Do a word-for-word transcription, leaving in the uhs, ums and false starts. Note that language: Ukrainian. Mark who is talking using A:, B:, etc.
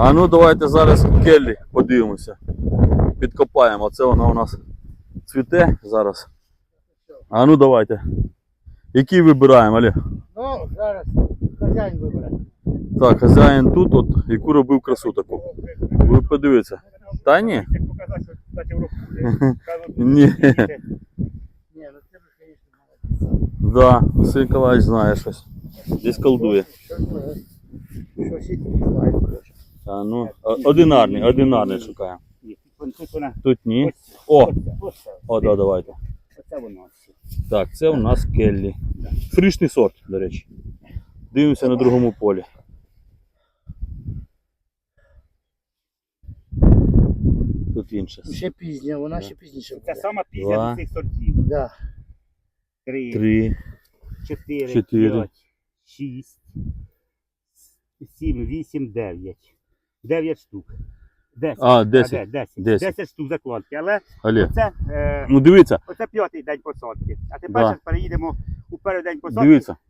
A: А ну давайте зараз келлі подивимося. Підкопаємо. Оце вона у нас цвіте зараз. А ну давайте. Який вибираємо, Олег?
B: Ну, зараз хазяїн вибере.
A: Так, хазяїн тут, от, яку робив красу таку. Ви подивіться. Та ні? Ні.
B: Ні, ну це ж, звісно, молодець.
A: Да, Василь Николаевич знає щось. Десь колдує.
B: Щось може. Щось і знає, коротше.
A: А, ну, о- одинарний, одинарний шукаємо.
C: Ні, тут вона.
A: Тут ні.
C: Ось,
A: О,
C: ось, ось,
A: о, да, давайте.
C: оце воно.
A: Так, це у нас келлі. Фрішний сорт, до речі. Дивимося на другому полі. Тут інше.
B: Ще пізня, вона ще пізніше
C: Це
B: буде.
C: сама пізня
A: Два.
C: з цих сортів.
B: Да.
C: Три,
A: Три.
C: чотири,
A: Чотири.
C: п'ять, шість, сім, вісім, дев'ять. Дев'ять штук. Десять.
A: А, десять.
C: А, де? десять.
A: Десять.
C: Десять штук закладки. Але
A: Олег.
C: це, е,
A: Ну дивіться,
C: оце п'ятий день посадки. А тепер
A: Да.
C: зараз переїдемо у перший день посадки.
A: дивіться.